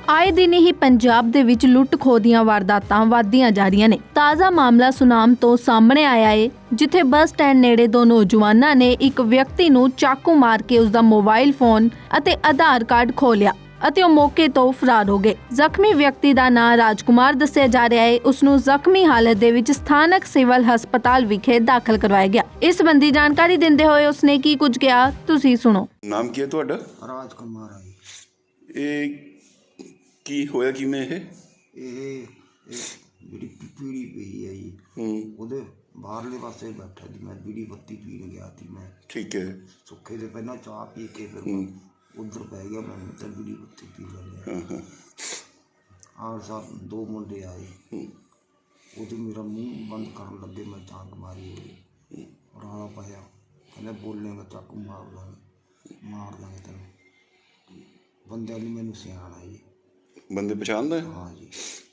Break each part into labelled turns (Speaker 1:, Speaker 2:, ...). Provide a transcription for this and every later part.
Speaker 1: ਆਏ ਦਿਨ ਹੀ ਪੰਜਾਬ ਦੇ ਵਿੱਚ ਲੁੱਟ ਖੋਹ ਦੀਆਂ ਵਾਰਦਾਤਾਂ ਵਧਦੀਆਂ ਜਾ ਰਹੀਆਂ ਨੇ। ਤਾਜ਼ਾ ਮਾਮਲਾ ਸੁਨਾਮ ਤੋਂ ਸਾਹਮਣੇ ਆਇਆ ਹੈ, ਜਿੱਥੇ ਬੱਸ ਸਟੈਂਡ ਨੇੜੇ ਦੋ ਨੌਜਵਾਨਾਂ ਨੇ ਇੱਕ ਵਿਅਕਤੀ ਨੂੰ ਚਾਕੂ ਮਾਰ ਕੇ ਉਸ ਦਾ ਮੋਬਾਈਲ ਫੋਨ ਅਤੇ ਆਧਾਰ ਕਾਰਡ ਖੋਹ ਲਿਆ ਅਤੇ ਉਹ ਮੌਕੇ ਤੋਂ ਫਰਾਰ ਹੋ ਗਏ। ਜ਼ਖਮੀ ਵਿਅਕਤੀ ਦਾ ਨਾਂ ਰਾਜਕੁਮਾਰ ਦੱਸਿਆ ਜਾ ਰਿਹਾ ਹੈ। ਉਸ ਨੂੰ ਜ਼ਖਮੀ ਹਾਲਤ ਦੇ ਵਿੱਚ ਸਥਾਨਕ ਸਿਵਲ ਹਸਪਤਾਲ ਵਿਖੇ ਦਾਖਲ ਕਰਵਾਇਆ ਗਿਆ। ਇਸ ਸੰਬੰਧੀ ਜਾਣਕਾਰੀ ਦਿੰਦੇ ਹੋਏ ਉਸਨੇ ਕੀ ਕੁਝ ਕਿਹਾ, ਤੁਸੀਂ ਸੁਣੋ।
Speaker 2: ਨਾਮ ਕੀ ਹੈ ਤੁਹਾਡਾ?
Speaker 3: ਰਾਜਕੁਮਾਰ ਆ ਜੀ।
Speaker 2: ਇਹ ਕੀ ਹੋਇਆ ਕਿਵੇਂ
Speaker 3: ਇਹ ਜਿਹੜੀ ਪੀੜੀ ਪਈ ਹੈ ਜੀ, ਉਹਦੇ ਬਾਹਰਲੇ ਪਾਸੇ ਬੈਠਾ ਜੀ। ਮੈਂ ਬੀੜੀ ਬੱਤੀ ਪੀਣ ਗਿਆ ਸੀ। ਮੈਂ
Speaker 2: ਠੀਕ ਹੈ।
Speaker 3: ਸੁੱਖੇ ਦੇ ਪਹਿਲਾਂ ਚਾਹ ਪੀ ਕੇ ਫਿਰ ਉੱਧਰ ਪੈ ਗਿਆ। ਮੈਂ ਤਾਂ ਬੀੜੀ ਬੱਤੀ ਪੀ ਲਿਆ। ਆਹ ਸਭ ਦੋ ਮੁੰਡੇ ਆਏ, ਉਹਦੇ ਮੇਰਾ ਮੂੰਹ ਬੰਦ ਕਰਨ ਲੱਗੇ। ਮੈਂ ਚਾਂਕ ਮਾਰੀ ਹੋਈ, ਰੌਲਾ ਪਾਇਆ, ਕਹਿੰਦਾ ਬੋਲੇਗਾ ਚਾਕੂ ਮਾਰ ਲਾਂਗੇ ਤੈਨੂੰ। ਬੰਦੇ ਵਾਲੀ ਮੈਨੂੰ ਸਿਆਣਾ ਜੀ।
Speaker 2: ਬੰਦੇ ਪਛਾਣਦਾ?
Speaker 3: ਹਾਂ ਜੀ।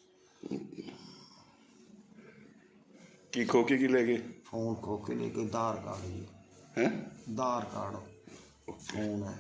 Speaker 2: ਕੀ ਖੋ ਕੇ ਕੀ ਲੈ ਗਏ?
Speaker 3: ਫੋਨ ਖੋ ਕੇ ਲੈ ਕੇ ਆਧਾਰ ਕਾਰਡ ਜੀ।
Speaker 2: ਹੈ?
Speaker 3: ਆਧਾਰ ਕਾਰਡ, ਫੋਨ ਹੈ।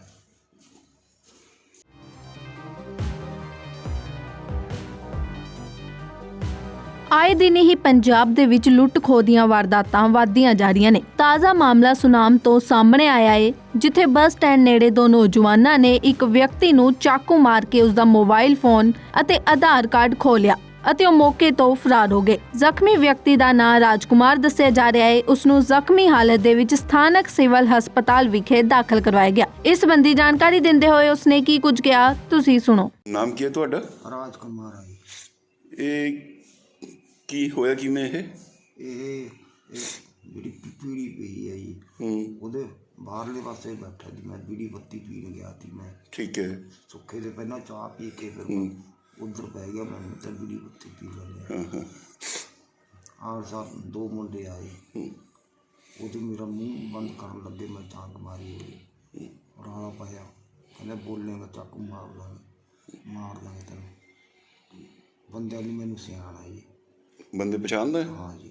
Speaker 1: ਆਏ ਦਿਨ ਹੀ ਪੰਜਾਬ ਦੇ ਵਿੱਚ ਲੁੱਟ ਖੋਹ ਦੀਆਂ ਵਾਰਦਾਤਾਂ ਵਧਦੀਆਂ ਜਾ ਰਹੀਆਂ ਨੇ। ਤਾਜ਼ਾ ਮਾਮਲਾ ਸੁਨਾਮ ਤੋਂ ਸਾਹਮਣੇ ਆਇਆ ਹੈ, ਜਿੱਥੇ ਬੱਸ ਸਟੈਂਡ ਨੇੜੇ ਦੋ ਨੌਜਵਾਨਾਂ ਨੇ ਇੱਕ ਵਿਅਕਤੀ ਨੂੰ ਚਾਕੂ ਮਾਰ ਕੇ ਉਸ ਦਾ ਮੋਬਾਈਲ ਫੋਨ ਅਤੇ ਆਧਾਰ ਕਾਰਡ ਖੋਹ ਲਿਆ ਅਤੇ ਉਹ ਮੌਕੇ ਤੋਂ ਫਰਾਰ ਹੋ ਗਏ। ਜ਼ਖਮੀ ਵਿਅਕਤੀ ਦਾ ਨਾਂ ਰਾਜਕੁਮਾਰ ਦੱਸਿਆ ਜਾ ਰਿਹਾ ਹੈ। ਉਸ ਨੂੰ ਜ਼ਖਮੀ ਹਾਲਤ ਦੇ ਵਿੱਚ ਸਥਾਨਕ ਸਿਵਲ ਹਸਪਤਾਲ ਵਿਖੇ ਦਾਖਲ ਕਰਵਾਇਆ ਗਿਆ। ਇਸ ਸੰਬੰਧੀ ਜਾਣਕਾਰੀ ਦਿੰਦੇ ਹੋਏ ਉਸਨੇ ਕੀ ਕੁਝ ਕਿਹਾ, ਤੁਸੀਂ ਸੁਣੋ।
Speaker 2: ਨਾਮ ਕੀ ਹੈ ਤੁਹਾਡਾ?
Speaker 3: ਰਾਜਕੁਮਾਰ ਆ ਜੀ।
Speaker 2: ਇਹ ਕੀ ਹੋਇਆ ਕਿਵੇਂ
Speaker 3: ਇਹ ਜਿਹੜੀ ਪੀੜੀ ਪਈ ਹੈ ਜੀ, ਉਹਦੇ ਬਾਹਰਲੇ ਪਾਸੇ ਬੈਠਾ ਜੀ। ਮੈਂ ਬੀੜੀ ਬੱਤੀ ਪੀਣ ਗਿਆ ਸੀ। ਮੈਂ
Speaker 2: ਠੀਕ ਹੈ।
Speaker 3: ਸੁੱਖੇ ਦੇ ਪਹਿਲਾਂ ਚਾਹ ਪੀ ਕੇ ਫਿਰ ਉੱਧਰ ਪੈ ਗਿਆ। ਮੈਂ ਤਾਂ ਬੀੜੀ ਬੱਤੀ ਪੀ ਲਿਆ। ਆਹ ਸਭ ਦੋ ਮੁੰਡੇ ਆਏ, ਉਹਦੇ ਮੇਰਾ ਮੂੰਹ ਬੰਦ ਕਰਨ ਲੱਗੇ। ਮੈਂ ਚਾਂਕ ਮਾਰੀ ਹੋਈ, ਰੌਲਾ ਪਾਇਆ, ਕਹਿੰਦਾ ਬੋਲੇਗਾ ਚਾਕੂ ਮਾਰ ਲਾਂਗੇ ਤੈਨੂੰ। ਬੰਦੇ ਵਾਲੀ ਮੈਨੂੰ ਸਿਆਣਾ ਜੀ।
Speaker 2: ਬੰਦੇ ਪਛਾਣਦਾ?
Speaker 3: ਹਾਂ ਜੀ।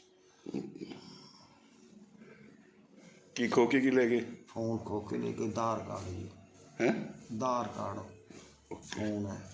Speaker 2: ਕੀ ਖੋ ਕੇ ਕੀ ਲੈ ਗਏ?
Speaker 3: ਫੋਨ ਖੋ ਕੇ ਲੈ ਕੇ ਆਧਾਰ ਕਾਰਡ ਜੀ।
Speaker 2: ਹੈ?
Speaker 3: ਆਧਾਰ ਕਾਰਡ, ਫੋਨ ਹੈ।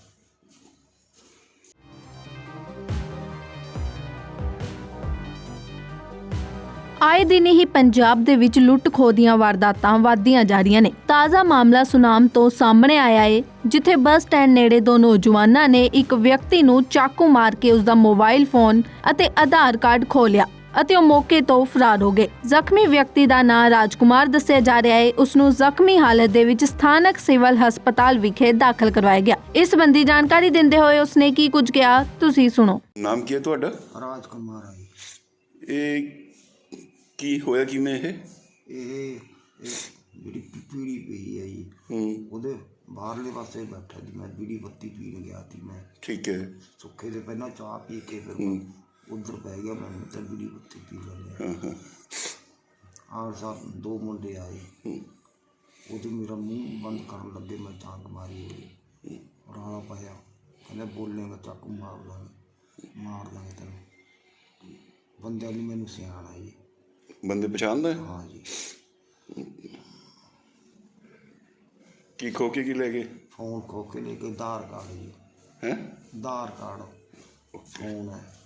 Speaker 1: ਆਏ ਦਿਨ ਹੀ ਪੰਜਾਬ ਦੇ ਵਿੱਚ ਲੁੱਟ ਖੋਹ ਦੀਆਂ ਵਾਰਦਾਤਾਂ ਵਧਦੀਆਂ ਜਾ ਰਹੀਆਂ ਨੇ। ਤਾਜ਼ਾ ਮਾਮਲਾ ਸੁਨਾਮ ਤੋਂ ਸਾਹਮਣੇ ਆਇਆ ਹੈ, ਜਿੱਥੇ ਬੱਸ ਸਟੈਂਡ ਨੇੜੇ ਦੋ ਨੌਜਵਾਨਾਂ ਨੇ ਇੱਕ ਵਿਅਕਤੀ ਨੂੰ ਚਾਕੂ ਮਾਰ ਕੇ ਉਸ ਦਾ ਮੋਬਾਈਲ ਫੋਨ ਅਤੇ ਆਧਾਰ ਕਾਰਡ ਖੋਹ ਲਿਆ ਅਤੇ ਉਹ ਮੌਕੇ ਤੋਂ ਫਰਾਰ ਹੋ ਗਏ। ਜ਼ਖਮੀ ਵਿਅਕਤੀ ਦਾ ਨਾਂ ਰਾਜਕੁਮਾਰ ਦੱਸਿਆ ਜਾ ਰਿਹਾ ਹੈ। ਉਸ ਨੂੰ ਜ਼ਖਮੀ ਹਾਲਤ ਦੇ ਵਿੱਚ ਸਥਾਨਕ ਸਿਵਲ ਹਸਪਤਾਲ ਵਿਖੇ ਦਾਖਲ ਕਰਵਾਇਆ ਗਿਆ। ਇਸ ਸੰਬੰਧੀ ਜਾਣਕਾਰੀ ਦਿੰਦੇ ਹੋਏ ਉਸਨੇ ਕੀ ਕੁਝ ਕਿਹਾ, ਤੁਸੀਂ ਸੁਣੋ।
Speaker 2: ਨਾਮ ਕੀ ਹੈ ਤੁਹਾਡਾ?
Speaker 3: ਰਾਜਕੁਮਾਰ ਆ ਜੀ।
Speaker 2: ਇਹ ਕੀ ਹੋਇਆ ਕਿਵੇਂ
Speaker 3: ਇਹ ਜਿਹੜੀ ਪੀੜੀ ਪਈ ਹੈ ਜੀ, ਉਹਦੇ ਬਾਹਰਲੇ ਪਾਸੇ ਬੈਠਾ ਜੀ। ਮੈਂ ਬੀੜੀ ਬੱਤੀ ਪੀਣ ਗਿਆ ਸੀ। ਮੈਂ
Speaker 2: ਠੀਕ ਹੈ।
Speaker 3: ਸੁੱਖੇ ਦੇ ਪਹਿਲਾਂ ਚਾਹ ਪੀ ਕੇ ਫਿਰ ਉੱਧਰ ਪੈ ਗਿਆ। ਮੈਂ ਤਾਂ ਬੀੜੀ ਬੱਤੀ ਪੀ ਲਿਆ। ਆਹ ਸਭ ਦੋ ਮੁੰਡੇ ਆਏ, ਉਹਦੇ ਮੇਰਾ ਮੂੰਹ ਬੰਦ ਕਰਨ ਲੱਗੇ। ਮੈਂ ਚਾਂਕ ਮਾਰੀ ਹੋਈ, ਰੌਲਾ ਪਾਇਆ, ਕਹਿੰਦਾ ਬੋਲੇਗਾ ਚਾਕੂ ਮਾਰ ਲਾਂਗੇ ਤੈਨੂੰ। ਬੰਦੇ ਵਾਲੀ ਮੈਨੂੰ ਸਿਆਣਾ ਜੀ।
Speaker 2: ਬੰਦੇ ਪਛਾਣਦਾ?
Speaker 3: ਹਾਂ ਜੀ।
Speaker 2: ਕੀ ਖੋ ਕੇ ਕੀ ਲੈ ਗਏ?
Speaker 3: ਫੋਨ ਖੋ ਕੇ ਲੈ ਕੇ ਆਧਾਰ ਕਾਰਡ ਜੀ।
Speaker 2: ਹੈ?
Speaker 3: ਆਧਾਰ ਕਾਰਡ, ਫੋਨ ਹੈ।